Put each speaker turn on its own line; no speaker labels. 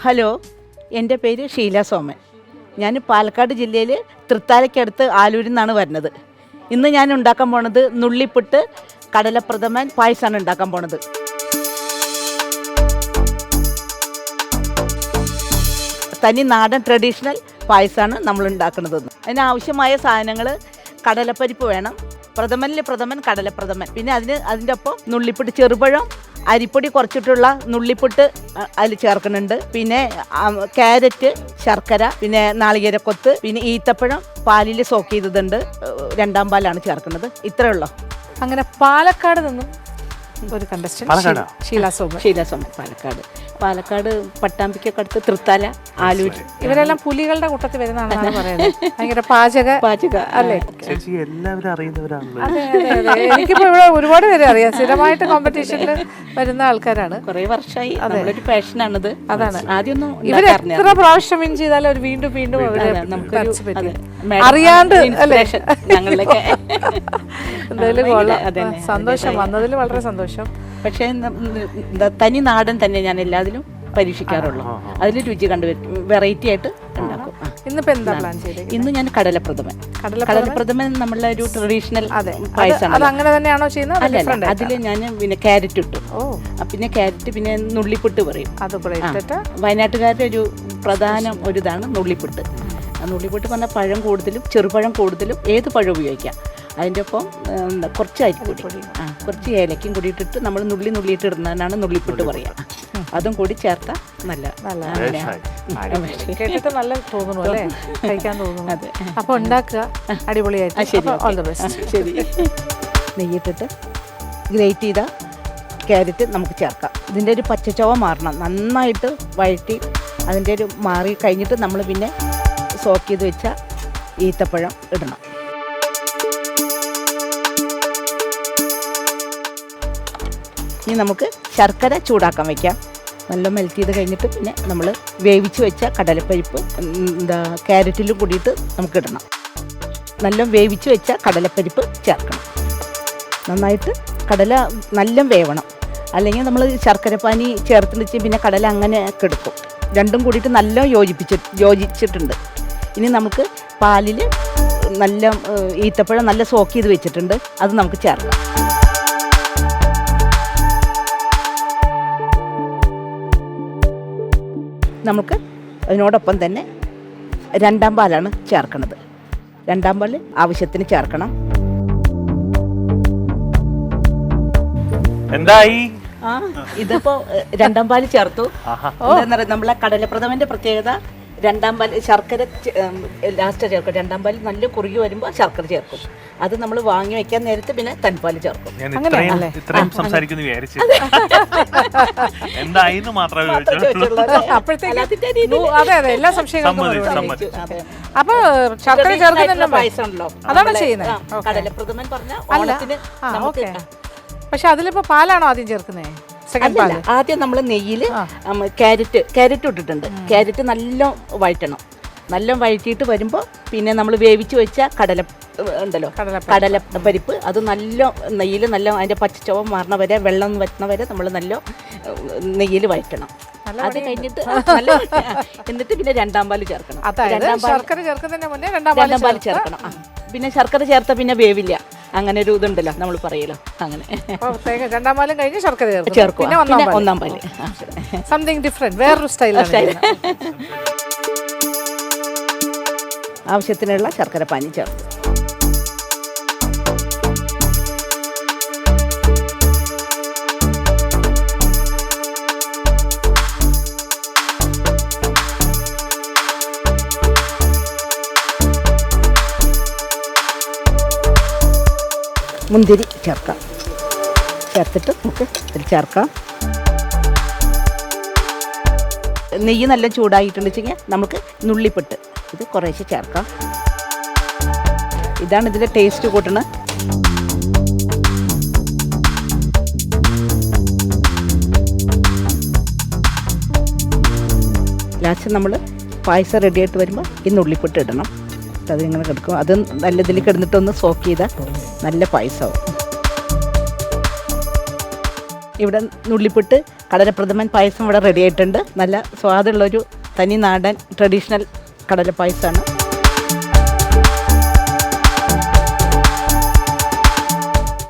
Hello, എൻ്റെ പേര് ഷീല സോമൻ. ഞാൻ പാലക്കാട് ജില്ലയിൽ തൃത്താലയ്ക്കടുത്ത് ആലൂരിൽ നിന്നാണ് വരുന്നത്. ഇന്ന് ഞാൻ ഉണ്ടാക്കാൻ പോണത് നുള്ളിപ്പുട്ട് കടലപ്രഥമൻ പായസമാണ് ഉണ്ടാക്കാൻ പോണത്. തനി നാടൻ ട്രഡീഷണൽ പായസമാണ് നമ്മൾ ഉണ്ടാക്കുന്നത്. അതിനാവശ്യമായ സാധനങ്ങൾ കടലപ്പരിപ്പ് വേണം, പ്രഥമൻ കടലപ്രഥമൻ, പിന്നെ അതിൻ്റെ ഒപ്പം നുള്ളിപ്പുട്ട്, ചെറുപഴം, അരിപ്പൊടി കുറച്ചിട്ടുള്ള നുള്ളിപ്പുട്ട് അതിൽ ചേർക്കുന്നുണ്ട്, പിന്നെ ക്യാരറ്റ്, ശർക്കര, പിന്നെ നാളികേരക്കൊത്ത്, പിന്നെ ഈത്തപ്പഴം പാലിൽ സോക്ക് ചെയ്തതുണ്ട്, 2ാം പാലാണ് ചേർക്കുന്നത്. ഇത്രയേ ഉള്ളൂ.
അങ്ങനെ പാലക്കാട് നിന്നും ഒരു കണ്ടസ്റ്റന്റ് ഷീല സോമൻ. പാലക്കാട് പട്ടാമ്പിക്കൊക്കെ അടുത്ത് തൃത്താല, ആലൂർ. ഇവരെല്ലാം പുലികളുടെ കൂട്ടത്തിൽ വരുന്നതാണെന്നാണ് പറയുന്നത്. ഭയങ്കര പാചക അല്ലേ?
എല്ലാവരും അറിയുന്നവരാണല്ലോ.
അതെ, എനിക്കിപ്പോ ഇവിടെ ഒരുപാട് പേര് അറിയാം. സ്ഥിരമായിട്ട് കോമ്പറ്റീഷനിൽ വരുന്ന ആൾക്കാരാണ്.
കുറെ വർഷമായി ഒരു പാഷനാണിത്.
അതാണ്.
ആദ്യമൊന്നും
ഇവർ എത്ര പ്രാവശ്യം വിൻ ചെയ്താലും അവർ വീണ്ടും അറിയാണ്ട്
ഞങ്ങളിലേക്ക്
എന്തായാലും കൊള്ളാം. സന്തോഷം, വന്നതിൽ വളരെ സന്തോഷം.
പക്ഷേ തനി നാടൻ തന്നെ ഞാൻ എല്ലാത്തിലും പരീക്ഷിക്കാറുള്ളൂ. അതിൽ രുചി കണ്ടുവരും, വെറൈറ്റി ആയിട്ട് ഉണ്ടാക്കും.
ഇന്നിപ്പോ എന്താ പ്ലാൻ ചെയ്തത്?
ഇന്ന് ഞാൻ കടലപ്രഥമൻ നമ്മളെ ഒരു ട്രഡീഷണൽ പായസമാണ്.
അത് അങ്ങനെ തന്നെയാണോ ചെയ്യുന്നത്?
അല്ല, അതിൽ ഞാൻ പിന്നെ ക്യാരറ്റ് ഇട്ടു. പിന്നെ ക്യാരറ്റ്, പിന്നെ നുള്ളിപ്പുട്ട് പറയും. വയനാട്ടുകാരുടെ ഒരു പ്രധാന ഒരു ഇതാണ് നുള്ളിപ്പുട്ട്. നുള്ളിപ്പുട്ട് പറഞ്ഞാൽ പഴം കൂടുതലും, ചെറുപഴം കൂടുതലും, ഏത് പഴം ഉപയോഗിക്കാം. അതിൻ്റെ ഒപ്പം കുറച്ച് അരിപ്പൊടി, കുറച്ച് ഏലക്കയും കൂടി ഇട്ടിട്ട് നമ്മൾ നുള്ളിയിട്ട് ഇടുന്നതിനാണ് നുള്ളിപ്പുട്ട് പറയുക. അതും കൂടി ചേർത്താൽ
കേട്ടിട്ട് നല്ല തോന്നുന്നു അല്ലേ? കഴിക്കാൻ തോന്നുന്നു. അതെ. അപ്പോൾ ഉണ്ടാക്കുക, അടിപൊളിയായിട്ട്.
ശരി. നെയ്യിട്ടിട്ട് ഗ്രേറ്റ് ചെയ്ത ക്യാരറ്റ് നമുക്ക് ചേർക്കാം. ഇതിൻ്റെ ഒരു പച്ചച്ചവ മാറണം, നന്നായിട്ട് വഴറ്റി അതിൻ്റെ ഒരു മാറി കഴിഞ്ഞിട്ട് നമ്മൾ പിന്നെ സോക്ക് ചെയ്ത് വെച്ച ഈത്തപ്പഴം ഇടണം. ഇനി നമുക്ക് ശർക്കര ചൂടാക്കാൻ വയ്ക്കാം. നല്ല മെൽറ്റ് ചെയ്ത് കഴിഞ്ഞിട്ട് പിന്നെ നമ്മൾ വേവിച്ച് വെച്ച കടലപ്പരിപ്പ് ക്യാരറ്റിലും കൂടിയിട്ട് നമുക്ക് ഇടണം. നല്ല വേവിച്ച് വെച്ച കടലപ്പരിപ്പ് ചേർക്കണം. നന്നായിട്ട് കടല നല്ല വേവണം, അല്ലെങ്കിൽ നമ്മൾ ശർക്കരപ്പാനി ചേർത്ത് വെച്ച് പിന്നെ കടല അങ്ങനെ കെടുക്കും. രണ്ടും കൂടിയിട്ട് നല്ല യോജിച്ചിട്ടുണ്ട്. ഇനി നമുക്ക് പാലിൽ നല്ല ഈത്തപ്പഴം നല്ല സോക്ക് ചെയ്ത് വെച്ചിട്ടുണ്ട്, അത് നമുക്ക് ചേർക്കാം. നമുക്ക് അതിനോടൊപ്പം തന്നെ 2ാം പാലാണ് ചേർക്കുന്നത്. 2ാം പാൽ ആവശ്യത്തിന് ചേർക്കണം.
എന്തായി?
ഇതിപ്പോ 2ാം പാൽ ചേർത്തു. എന്താ പറയുക, നമ്മളെ കടലപ്രഥമന്റെ പ്രത്യേകത 2ാം പാൽ ശർക്കര ലാസ്റ്റ് ചേർക്കും. 2ാം പാൽ നല്ല കുറുകി വരുമ്പോൾ ശർക്കര ചേർക്കും. അത് നമ്മൾ വാങ്ങി വെക്കാൻ നേരത്തെ പിന്നെ തൻപാൽ ചേർക്കും.
ഇത്രയും സംസാരിക്കുന്നു വിചാരിച്ചു. എന്തായിന്ന് മാത്രമേ
എല്ലാ സംശയങ്ങളും. അപ്പൊ ശർക്കര ചേർക്കുന്നുണ്ടല്ലോ, പായസമാണല്ലോ, അതാണ് ചെയ്യുന്നത്.
കടലപ്രഥമൻ പറഞ്ഞ ഓണത്തിന്.
പക്ഷെ അതിലിപ്പോ പാലാണോ ആദ്യം ചേർക്കുന്നത്?
ആദ്യം നമ്മൾ നെയ്യിൽ ക്യാരറ്റ് ഇട്ടിട്ടുണ്ട്. ക്യാരറ്റ് നല്ല വഴറ്റണം. നല്ല വഴറ്റിയിട്ട് വരുമ്പോൾ പിന്നെ നമ്മൾ വേവിച്ച് വെച്ച കടലപ്പരിപ്പ് അത് നല്ല നെയ്യിൽ നല്ല അതിൻ്റെ പച്ചച്ചവ മാറണ വരെ, വെള്ളം വറ്റുന്ന വരെ നമ്മൾ നല്ല നെയ്യിൽ വഴറ്റണം. അത് കഴിഞ്ഞിട്ട് എന്നിട്ട് പിന്നെ 2ാം പാൽ ചേർക്കണം. 2ാം പാൽ ചേർക്കണം. പിന്നെ ശർക്കര ചേർത്താൽ പിന്നെ വേവില്ല, അങ്ങനെ ഒരു ഇതുണ്ടല്ലോ നമ്മൾ പറയലോ, അങ്ങനെ.
2ാം പാലും കഴിഞ്ഞ് ശർക്കര
ചേർക്കും. പിന്നെ 1ാം പാല്
സംതിങ് ഡിഫറെന്റ്, വേറൊരു സ്റ്റൈൽ.
ആവശ്യത്തിനുള്ള ശർക്കര പാനി ചേർത്ത് മുന്തിരി ചേർക്കാം. ചേർത്തിട്ട് നമുക്ക് ഇതിൽ ചേർക്കാം. നെയ്യ് നല്ല ചൂടായിട്ടുണ്ട് വെച്ചെങ്കിൽ നമുക്ക് നുള്ളിപ്പുട്ട് ഇത് കുറേശ്ശെ ചേർക്കാം. ഇതാണ് ഇതിൻ്റെ ടേസ്റ്റ് കൂട്ടണത്. ലാസ്റ്റ് നമ്മൾ പായസം റെഡിയായിട്ട് വരുമ്പോൾ ഈ നുള്ളിപ്പുട്ട് ഇടണം. അതിങ്ങനെ കിടക്കും. അത് നല്ല ഇതിൽ കിടന്നിട്ടൊന്ന് സോക്ക് ചെയ്താൽ നല്ല പായസമാവും. ഇവിടെ നുള്ളിപ്പുട്ട് കടലപ്രഥമൻ പായസം ഇവിടെ റെഡി ആയിട്ടുണ്ട്. നല്ല സ്വാദുള്ളൊരു തനി നാടൻ ട്രഡീഷണൽ കടലപ്പായസമാണ്.